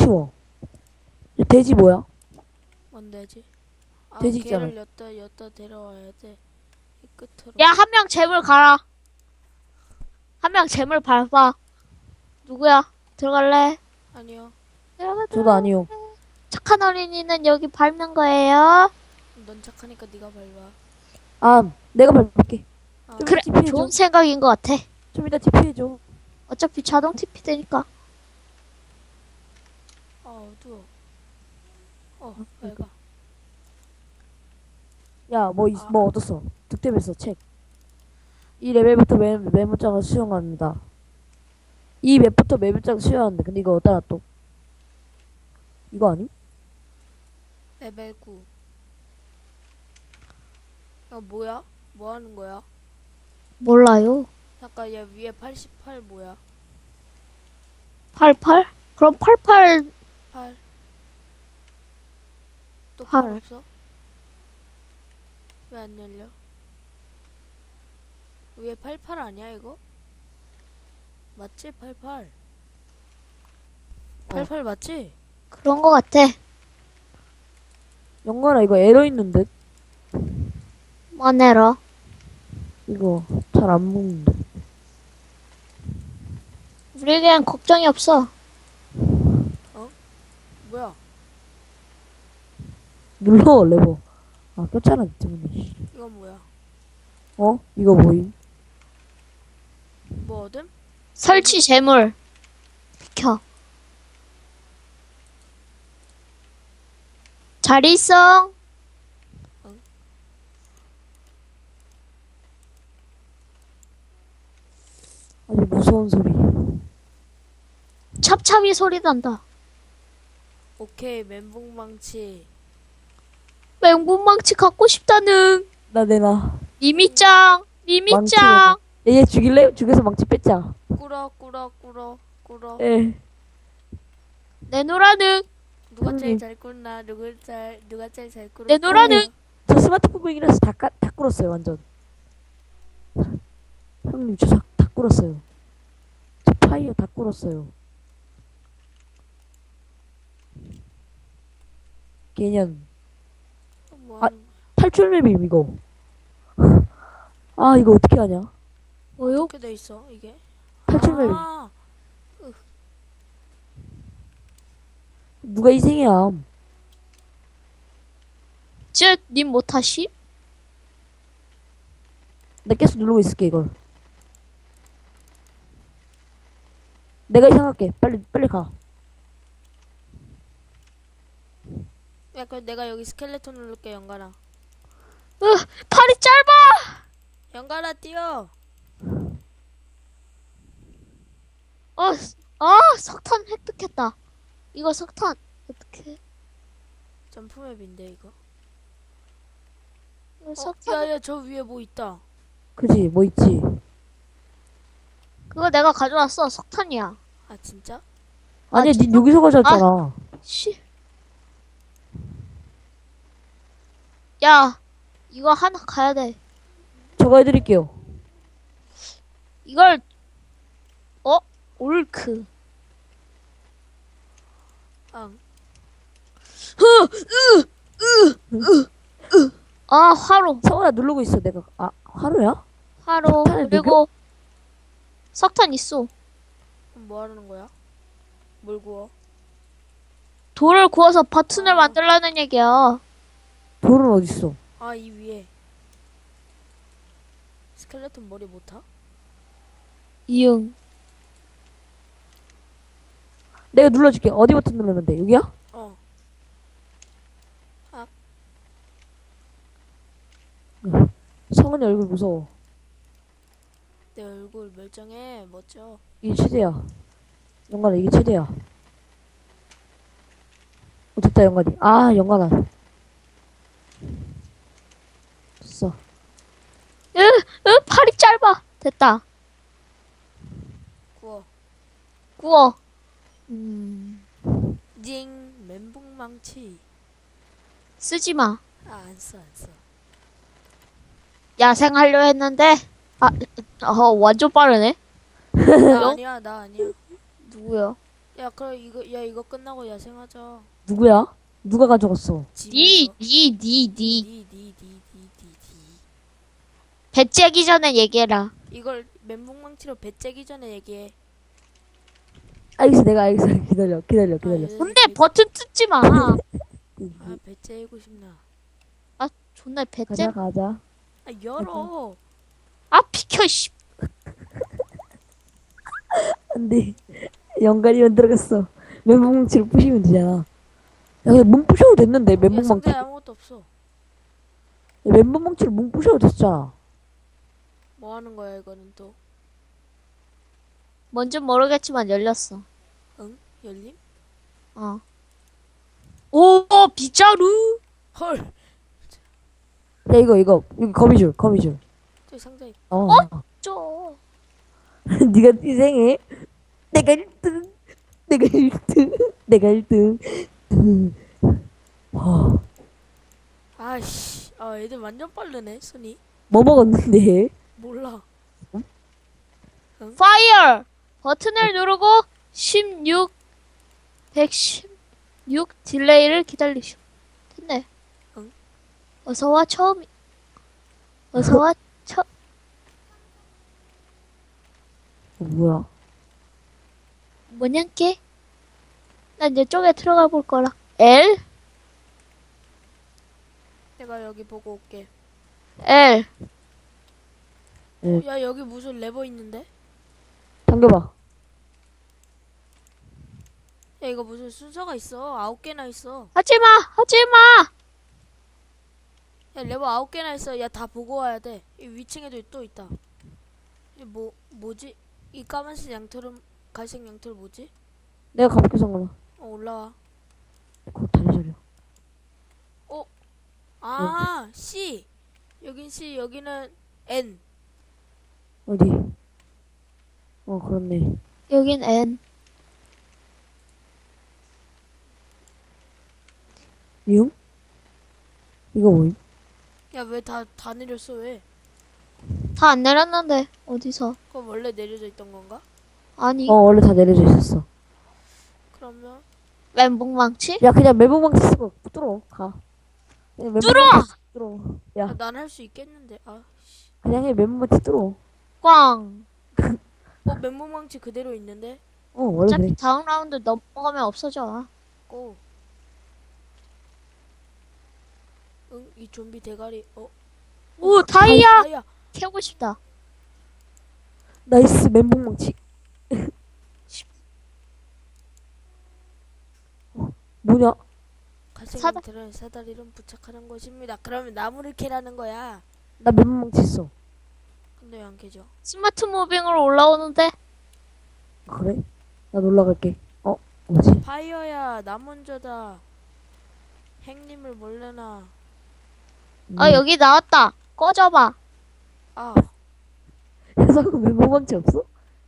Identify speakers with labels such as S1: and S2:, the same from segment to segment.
S1: 치워. 이 돼지 뭐야?
S2: 뭔데지? 아,
S1: 돼지 있잖아.
S2: 걔를 여따 데려와야 돼. 이 끝으로.
S3: 야, 한 명 재물 가라. 한 명 재물 밟아. 누구야? 들어갈래?
S2: 아니요.
S1: 저도 아니요.
S3: 착한 어린이는 여기 밟는 거예요.
S2: 넌 착하니까 네가 밟아.
S1: 아, 내가 밟을게.
S2: 아,
S1: 좀
S3: 그래,
S1: TP 해줘.
S3: 좋은 생각인 것 같아.
S1: 좀 이따 TP 해줘.
S3: 어차피 자동 TP 되니까.
S2: 어두워. 밟아.
S1: 야, 뭐 얻었어? 득템했어, 책. 이 레벨부터 메모장을 수용합니다. 이 맵부터 메모장 수용하는데, 근데 이거 어디다 또? 이거 아니?
S2: 레벨 9. 뭐야? 뭐 하는 거야?
S3: 몰라요.
S2: 잠깐, 얘 위에 88 뭐야?
S3: 88? 그럼 88,
S2: 8. 또
S3: 팔.
S2: 8 없어? 왜 안 열려? 위에 88 아니야 이거? 맞지? 88. 88 맞지?
S3: 그런 것 같아.
S1: 영관아, 이거 에러 있는 듯?
S3: 뭐내러?
S1: 이거 잘 안 먹는데.
S3: 우리에겐 걱정이 없어.
S2: 뭐야?
S1: 눌러, 레버. 아, 꼈잖아, 니 때문에.
S2: 이건 뭐야?
S1: 어? 이거 뭐임?
S2: 뭐 얻음?
S3: 설치 재물. 비켜. 잘 있어.
S1: 아주 무서운 소리.
S3: 찹찹이 소리 난다.
S2: 오케이, 멘붕망치.
S3: 맹분망치 갖고 싶다는.
S1: 나 내놔.
S3: 미미짱. 미미짱.
S1: 얘 죽일래? 죽여서 망치 뺐자.
S2: 꿇어.
S1: 예.
S3: 내놓으라는.
S2: 누가 제일
S1: 형님.
S2: 잘 꿇나? 누가 제일 잘 꿇어?
S3: 내놓으라는.
S1: 저 스마트폰이라서 다 꿇었어요, 완전. 형님, 저 다 꿇었어요. 저 파이어 다 꿇었어요. 개년.
S2: 뭐
S1: 아,
S2: 하는 거야?
S1: 탈출 맵임, 이거. 아, 이거 어떻게 하냐?
S3: 뭐요?
S2: 어떻게 돼 있어 이게?
S1: 탈출 맵임.
S2: 아,
S1: 누가 희생이야?
S3: 님 못하시?
S1: 나 계속 누르고 있을게, 이걸. 내가 이상할게. 빨리 가.
S2: 야, 그럼 내가 여기 스켈레톤 누를게, 연가라.
S3: 팔이 짧아.
S2: 연가라 뛰어.
S3: 석탄 획득했다. 이거 석탄 어떻게?
S2: 점프맵인데 이거.
S3: 이거 석탄.
S2: 야야, 저 위에 뭐 있다.
S1: 그지? 뭐 있지?
S3: 그거 내가 가져왔어. 석탄이야.
S2: 아 진짜?
S1: 아니야, 닌
S3: 진짜?
S1: 여기서 가져왔잖아.
S3: 씨. 야, 이거 하나 가야 돼.
S1: 저거 해드릴게요.
S3: 이걸 올크.
S2: 응.
S3: 화로.
S1: 성원아 누르고 있어, 내가. 아, 하루야?
S3: 화로.
S1: 석탄을
S3: 그리고 석탄 있어.
S2: 그럼 뭐 하는 거야? 뭘 구워?
S3: 돌을 구워서 버튼을
S2: 아.
S3: 만들라는 얘기야.
S1: 돌은 어딨어?
S2: 아, 이 위에. 스켈레톤 머리 못 타?
S3: 이응.
S1: 내가 눌러줄게. 어디 버튼 누르면 돼? 여기야?
S2: 어.
S1: 성은이 얼굴 무서워.
S2: 내 얼굴 멀쩡해. 멋져.
S1: 이게 최대야. 영관아, 이게 최대야. 됐다, 영관이. 아, 영관아. 됐어.
S3: 팔이 짧아. 됐다.
S2: 구워.
S3: 구워.
S2: 징. 멘붕망치.
S3: 쓰지 마.
S2: 아, 안 써.
S3: 야생하려 했는데, 완전 빠르네.
S2: 나 아니야.
S3: 누구야?
S2: 야, 그럼 이거 끝나고 야생하자.
S1: 누구야? 누가 가져갔어?
S3: 니.
S2: 니.
S3: 배 째기 전에 얘기해라.
S2: 이걸 멘붕망치로 배째기 전에 얘기해.
S1: 알겠어, 내가 알겠어. 기다려.
S2: 아,
S3: 근데 버튼 뜯지 마.
S2: 아, 배째고 싶나?
S3: 아, 존나 배 째.
S1: 가자.
S2: 아, 열어.
S3: 아, 비켜, 씨.
S1: 안 돼. 연관이만 들어갔어. 멘붕망치를 부시면 되잖아. 야, 근데 문 부셔도 됐는데,
S2: 야,
S1: 멘붕망치.
S2: 상자에 아무것도 없어.
S1: 멘붕망치를 문 부셔도 됐잖아.
S2: 뭐 하는 거야, 이거는 또?
S3: 뭔지 모르겠지만 열렸어.
S2: 응? 열림?
S3: 어. 오, 빗자루.
S2: 헐!
S1: 야, 이거. 여기 거미줄.
S2: 저기 상자에.
S1: 어.
S3: 저.
S1: 네가 희생해. 내가 1등. 내가 1등. 와,
S2: 아이씨. 아, 애들 완전 빠르네, 손이.
S1: 뭐 먹었는데?
S2: 몰라.
S3: 파이어. 버튼을 누르고 116 딜레이를 기다리시오. 됐네.
S2: 응?
S3: 어서와 어서와
S1: 뭐야?
S3: 뭐냐께? 난 이쪽에 들어가 볼 거라. L?
S2: 내가 여기 보고 올게.
S3: L.
S2: 야, 여기 무슨 레버 있는데?
S1: 당겨봐.
S2: 야, 이거 무슨 순서가 있어. 9개나 있어.
S3: 하지마! 하지마!
S2: 야, 레버 9개나 있어. 야, 다 보고 와야 돼. 이 위층에도 또 있다. 이 뭐지? 이 까만색 양털은, 갈색 양털 뭐지?
S1: 내가 가볼게, 잠깐만.
S2: 올라와.
S1: 곧 다리 저려.
S2: 아, C. 여긴 C, 여기는 N.
S1: 어디? 그렇네.
S3: 여긴 N.
S1: 미움? 이거 뭐임?
S2: 야, 왜 다 내렸어, 왜?
S3: 다 안 내렸는데, 어디서?
S2: 그럼 원래 내려져 있던 건가?
S3: 아니,
S1: 원래 다 내려져 있었어.
S2: 그러면,
S3: 멘붕망치?
S1: 야, 그냥 멘붕망치 쓰고 뚫어. 가. 그냥 멘붕망치 뚫어. 야,
S2: 난 할 수 있겠는데. 아, 씨.
S1: 그냥 해. 멘붕망치 뚫어.
S3: 꽝.
S2: 맨몸망치 그대로 있는데?
S1: 원래
S3: 어차피
S1: 그래.
S3: 다음 라운드 넘어가면 없어져.
S2: 고. 응, 이 좀비 대가리.
S3: 오, 다이아!
S2: 다이아.
S3: 캐고 싶다.
S1: 나이스, 멘붕망치. 뭐냐?
S2: 갈색
S3: 사다-
S2: 양털은 사다리를 부착하는 것입니다. 그러면 나무를 캐라는 거야.
S1: 나 멘붕망치 있어.
S2: 근데 왜 안 캐죠?
S3: 스마트 무빙으로 올라오는데?
S1: 그래? 나 놀러갈게. 뭐지?
S2: 파이어야, 나 먼저다. 행님을 몰래나.
S3: 아, 여기 나왔다. 꺼져봐.
S2: 아,
S1: 해석은 멘붕망치 없어?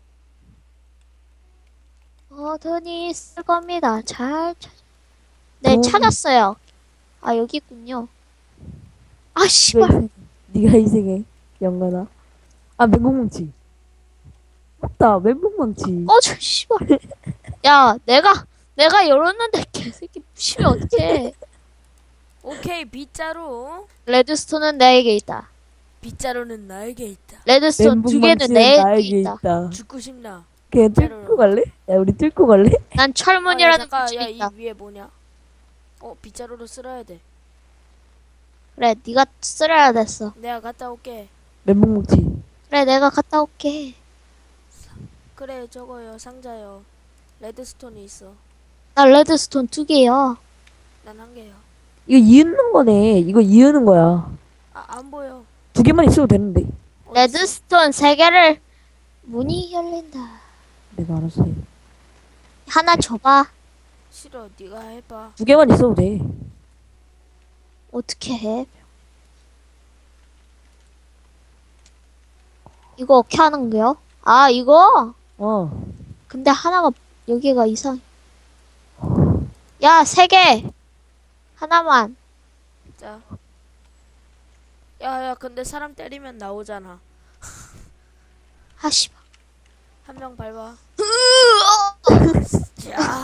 S3: 버튼이 있을 겁니다. 네,
S1: 어.
S3: 찾았어요. 아, 여기 있군요. 아,
S1: 네가
S3: 씨발.
S1: 희생해. 네가 희생해. 영관아. 아, 멘붕망치. 맞다, 멘붕망치.
S3: 꺼져, 씨발. 야, 내가 열었는데 개새끼 부시면 어떡해.
S2: 오케이, 빗자루.
S3: 레드스톤은 내게 있다.
S2: 빗자루는 나에게 있다.
S3: 레드스톤 두 개는
S1: 멘붕망치는
S3: 내게
S1: 나에게
S3: 있다.
S1: 있다.
S2: 죽고 싶나?
S1: 그냥
S2: 빗자루로.
S1: 뚫고 갈래? 야, 우리 뚫고 갈래?
S3: 난
S2: 아, 야,
S3: 철문이라는
S2: 잠깐,
S3: 것이
S2: 야, 이
S3: 있다.
S2: 위에 뭐냐? 빗자루로 쓸어야 돼.
S3: 그래, 네가 쓸어야 됐어.
S2: 내가 갔다 올게.
S1: 멘붕망치.
S3: 그래, 내가 갔다 올게.
S2: 그래, 저거요, 상자요. 레드스톤이 있어.
S3: 나 레드스톤 두 개야.
S2: 난 한 개요.
S1: 이거 이으는 거네. 이거 이으는 거야.
S2: 아, 안 보여.
S1: 2개만 있어도 되는데.
S2: 어딨어?
S3: 레드스톤 세 개를 문이 열린다.
S1: 내가 알아서 해.
S3: 하나 줘봐.
S2: 싫어, 네가 해봐.
S1: 2개만 있어도 돼.
S3: 어떻게 해? 이거 어떻게 하는 거야? 아, 이거? 근데 하나가 여기가 이상. 야, 세 개. 하나만.
S2: 자. 야, 근데 사람 때리면 나오잖아.
S3: 아, 씨발.
S2: 한 명 밟아. 자,